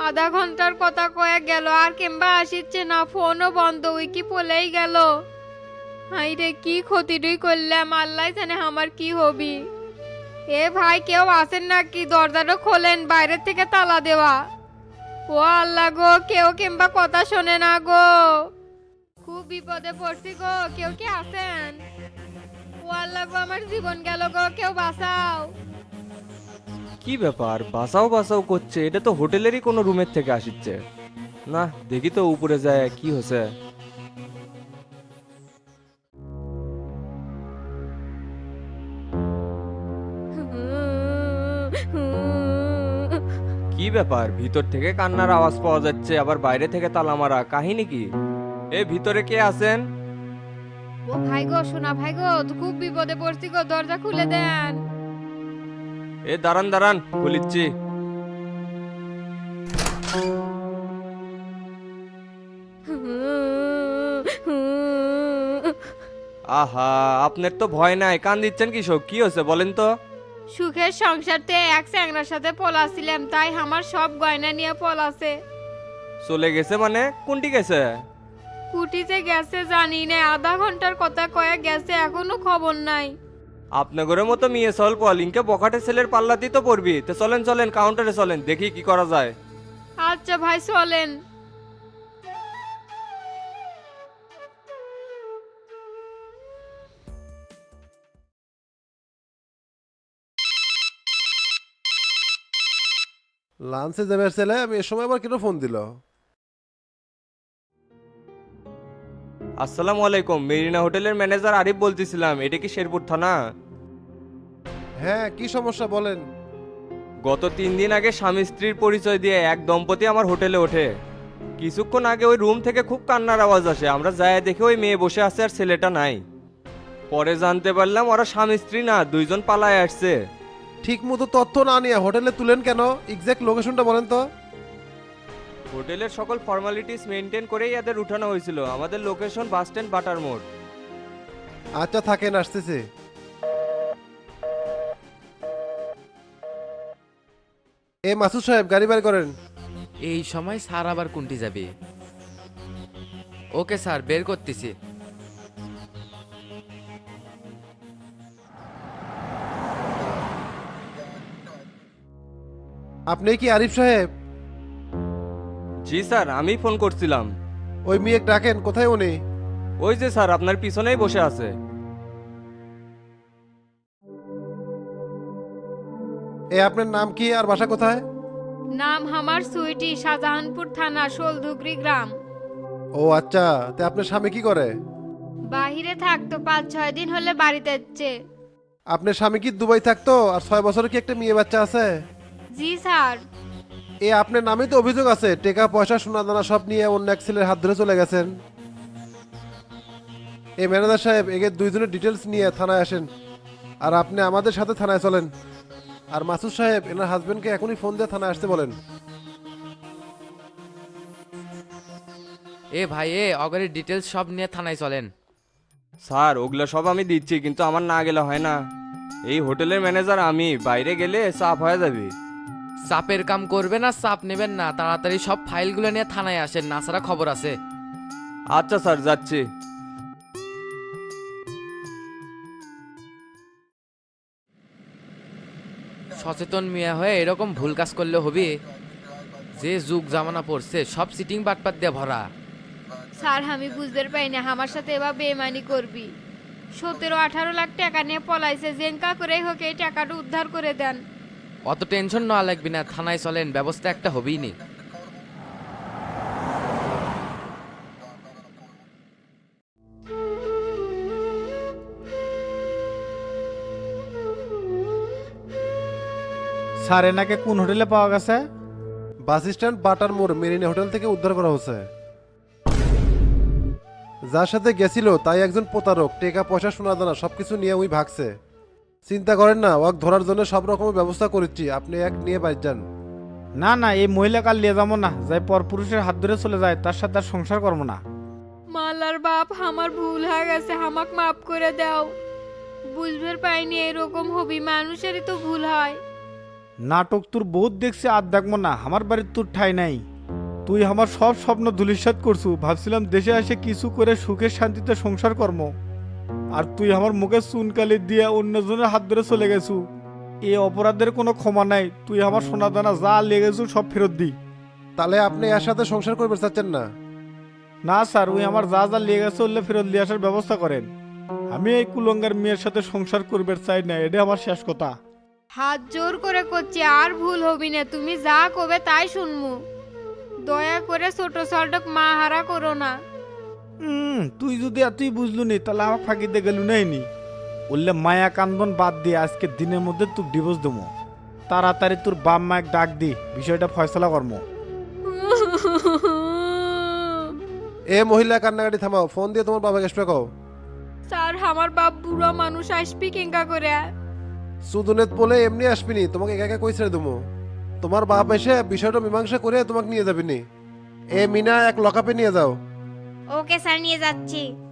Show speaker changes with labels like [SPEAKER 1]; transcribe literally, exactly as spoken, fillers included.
[SPEAKER 1] আধা ঘন্টার কথা কয়ে গেল আর কিংবা আসিচ্ছে না, ফোনও বন্ধ, ওই কি পলেই গেল। হাই রে, কি ক্ষতিটুই করলাম, আল্লাহ জানে আমার কি হবি। এ ভাই, কেউ আসেন নাকি? দরজাটা খোলেন, বাইরের থেকে তালা দেওয়া। ও আল্লাহ গো, কেউ কিংবা কথা শোনে না গো, খুব বিপদে পড়ছি গো, কেউ কি আছেন? ও আল্লাহ গো, আমার জীবন গেল গো, কেউ বাঁচাও।
[SPEAKER 2] কি ব্যাপার, বাসাও বাসাও করছে? এটা তো হোটেলেরই কোনো রুমের থেকে আসিচ্ছে। না, দেখি তো উপরে যায় কি হয়েছে। কি ব্যাপার, ভিতর থেকে কান্নার আওয়াজ পাওয়া যাচ্ছে, আবার বাইরে থেকে তালা মারা, কাহিনী কি? এ ভিতরে কে আছেন?
[SPEAKER 1] ও ভাই গো, শোনা ভাই গো, তো খুব বিপদে পড়ছি গো, দরজা খুলে দেন।
[SPEAKER 2] এ দাঁড়ান দাঁড়ান, বলিচ্ছি। আহা, আপনার তো ভয় নাই, কান দিচ্ছেন কি সব? কি হয়েছে বলেন তো?
[SPEAKER 1] সুখের সংসারতে এক চ্যাংরার সাথে পলাছিলাম, তাই আমার সব গয়না নিয়ে পলাছে।
[SPEAKER 2] চলে গেছে মানে? কোনটি গেছে?
[SPEAKER 1] কুটিতে গেছে জানি না, আধা ঘন্টার কথা কয়ে গেছে, এখনো খবর নাই।
[SPEAKER 2] আপনাদের মতো মেয়ে সল পলিংকে বখাটে ছেলের পাল্লাতেই তো পড়বি। তো চলেন চলেন, কাউন্টারে চলেন, দেখি কি করা যায়।
[SPEAKER 1] আচ্ছা ভাই, চলেন।
[SPEAKER 3] লাঞ্চে যাবে ছেলে, আমি এ সময় আবার কেন ফোন দিল?
[SPEAKER 2] আসসালামু আলাইকুম, মেরিনা হোটেলের ম্যানেজার আরিফ বলতেছিলাম। এটা কি শেরপুর থানা?
[SPEAKER 3] হ্যাঁ, কি সমস্যা বলেন।
[SPEAKER 2] গত তিন দিন আগে স্বামী স্ত্রীর পরিচয় দিয়ে এক দম্পতি আমার হোটেলে ওঠে। কিছুক্ষণ আগে ওই রুম থেকে খুব কান্নার আওয়াজ আসে। আমরা যাই দেখে ওই মেয়ে বসে আছে আর ছেলেটা নাই। পরে জানতে পারলাম ওরা স্বামী স্ত্রী না, দুইজন পালায় আসছে।
[SPEAKER 3] ঠিক মতো তথ্য না নিয়ে হোটেলে তুলেন কেন? এক্সাক্ট লোকেশনটা বলেন তো।
[SPEAKER 2] হোটেলের সকল ফর্মালিটিস মেনটেন করেই এদের উঠানো হয়েছিল। আমাদের লোকেশন বাস স্ট্যান্ড বাটার মোড়।
[SPEAKER 3] আচ্ছা থাকেন, আসতেছে। এ মাসুদ সাহেব, গাড়ি বের করেন।
[SPEAKER 4] এই সময় স্যার আবার কোনটি যাবে? ওকে স্যার, বের করতেছি।
[SPEAKER 3] আপনি কি আরিফ সাহেব?
[SPEAKER 2] জি স্যার, আমি ফোন করছিলাম।
[SPEAKER 3] ওই মেয়ে ডাকেন, কোথায় উনি?
[SPEAKER 2] ওই যে স্যার, আপনার পিছনেই বসে আছে।
[SPEAKER 3] এ আপনার নাম কি আর বাসা কোথায়?
[SPEAKER 1] নাম আমার সুইটি, শাহজাহানপুর থানা, শোলধুগরি গ্রাম।
[SPEAKER 3] ও আচ্ছা, তে আপনার স্বামী কি করে?
[SPEAKER 1] বাহিরে থাকতো, পাঁচ ছয় দিন হলে বাড়িতে যাচ্ছে।
[SPEAKER 3] আপনার স্বামী কি দুবাই থাকতো? আর ছয় বছরের কি একটা মেয়ে বাচ্চা আছে?
[SPEAKER 1] জি স্যার।
[SPEAKER 3] এ আপনার নামে তো অভিযোগ আছে, টাকা পয়সা সোনা দানা সব নিয়ে অন্য এক ছেলের হাত ধরে চলে গেছেন। এই ম্যানেজার সাহেব, এগে দুইজনের ডিটেলস নিয়ে থানায় আসেন। আর আপনি আমাদের সাথে থানায় চলেন। আর মাসুদ সাহেব, এনার হাজবেন্ডকে এখনই ফোন দিয়ে থানায় আসতে বলেন।
[SPEAKER 4] এ ভাই, এ অগরের ডিটেলস সব নিয়ে থানায় চলেন।
[SPEAKER 2] স্যার, ওগুলো সব আমি দিচ্ছি, কিন্তু আমার না গেলে হয় না। এই হোটেলের ম্যানেজার আমি, বাইরে গেলে চাপ হয়ে যাবে।
[SPEAKER 4] চাপের কাম করবে না, চাপ নেবেন না, তাড়াতাড়ি সব ফাইলগুলো নিয়ে থানায় আসেন, না ছাড়া খবর আছে।
[SPEAKER 2] আচ্ছা স্যার, যাচ্ছি।
[SPEAKER 4] সচেতন মিয়া হয়ে এরকম ভুল কাজ করলে হবে? যে যুগ জামানা পড়ছে, সব সিটিং বাটপাত দিয়ে ভরা।
[SPEAKER 1] স্যার, আমি বুঝতে পারি না আমার সাথে এবার বেমানি করবি। সতেরো আঠারো লাখ টাকা নিয়ে পলাইছে, জেঙ্কা করেই হোক এই টাকাটা উদ্ধার করে দেন।
[SPEAKER 4] অত টেনশন নেওয়া লাগবে না, থানায় চলেন, ব্যবস্থা একটা হবেই নি।
[SPEAKER 5] স্যার, এনাকে কোন হোটেলে পাওয়া গেছে?
[SPEAKER 3] বাস স্ট্যান্ড বাটার মোড় মেরিনা হোটেল থেকে উদ্ধার করা হয়েছে। যার সাথে গেছিল তাই একজন প্রতারক, টাকা পয়সা সোনা দানা সবকিছু নিয়ে ওই ভাগছে। চিন্তা করেন না, ওয়াক ধরার জন্য সব রকমের ব্যবস্থা করেছি, আপনি এক নিয়ে বাইর যান।
[SPEAKER 5] না না, এই মহিলা কাল নিয়ে যাবো না, যাই পরপুরুষের হাত ধরে চলে যায়, তার সাথে আর সংসার করবো না।
[SPEAKER 1] মালার বাপ, আমার ভুল হয়ে গেছে, আমাকে মাফ করে দাও। বুঝবে পাইনি এরকম হবি, মানুষেরই তো ভুল হয়।
[SPEAKER 5] নাটক তোর বহুত দেখছি আর দেখবো না, আমার বাড়ির তোর ঠাই নাই। তুই আমার সব স্বপ্ন ধূলিসাৎ করছু, ভাবছিলাম দেশে এসে কিছু করে সুখের শান্তিতে সংসার কর্ম, আর তুই আমার মুখে চুনকালি দিয়ে অন্যজনের হাত ধরে চলে গেছু। এই অপরাধের কোনো ক্ষমা নাই, তুই আমার সোনা দানা যা লেগেছু সব ফেরত দি।
[SPEAKER 3] তাহলে আপনি এর সাথে সংসার করবে চাচ্ছেন না?
[SPEAKER 5] না স্যার, ওই আমার যা যা লেগেছে ওলে ফেরত নিয়ে আসার ব্যবস্থা করেন। আমি এই কুলঙ্গার মেয়ের সাথে সংসার করবে চাই না, এটা আমার শেষ কথা।
[SPEAKER 1] হাত জোর করে করছি, আর ভুল হবি না, তুমি যা কবে তাই শুনমু। দয়া করে ছোট সল্টক মা হারা করো না।
[SPEAKER 5] হুম, তুই যদি এতই বুঝলু নি তাহলে আমার ফাঁকিতে গেলু নাই নি। বললে মায়া কান্দন বাদ দিয়ে আজকে দিনের মধ্যে তুই ডিভোর্স দেবো। তাড়াতাড়ি তোর বাপ মায়ের ডাক দি, বিষয়টা ফয়সলা কর্ম।
[SPEAKER 3] এ মহিলা কান্নাকাটি থামাও, ফোন দিয়ে তোমার বাবাকে আসবে কও।
[SPEAKER 1] স্যার আমার বাপ বুড়ো মানুষ, আসবি কেঙ্কা করে?
[SPEAKER 3] সুদুনেত বলে এমনি আসবিনি, তোমাকে একা একা কই ছেড়ে দেবো। তোমার বাপ এসে বিষয়টা মীমাংসা করে তোমাকে নিয়ে যাবিনি। এ মিনা এক লকআপে নিয়ে যাও।
[SPEAKER 6] ওকে স্যার, নিয়ে যাচ্ছি।